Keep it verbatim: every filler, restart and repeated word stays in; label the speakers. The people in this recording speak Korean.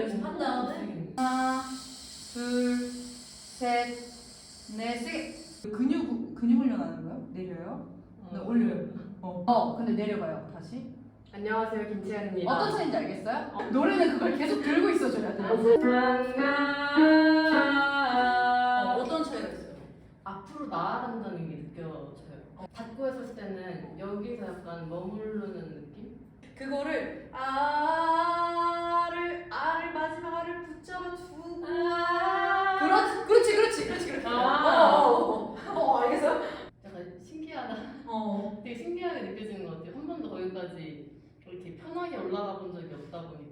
Speaker 1: 연습한 다음에
Speaker 2: 하나, 둘, 셋, 넷, 세. 근육 근육 훈련하는 거요? 내려요? 네, 올려요. 어. 어, 근데 내려가요. 다시.
Speaker 3: 안녕하세요, 김채연입니다.
Speaker 2: 어떤 차인지 알겠어요? 어. 노래는 그걸 계속 들고 있어줘야 돼요.
Speaker 1: 어, 어떤 차이가 있어요?
Speaker 3: 앞으로 나아간다는 게 느껴져요. 닫고 했을 때는 여기서 약간 머무르는 느낌?
Speaker 1: 그거를 아를 아를 마지막 아를 붙잡아주고
Speaker 3: 아~
Speaker 1: 그렇지 그렇지 그렇지 그렇지 그렇지
Speaker 3: 아~
Speaker 1: 어, 어, 어, 알겠어요?
Speaker 3: 약간 신기하다.
Speaker 1: 어
Speaker 3: 되게 신기하게 느껴지는 것 같아요. 한 번도 거기까지 이렇게 편하게 올라가 본 적이 없다 보니까.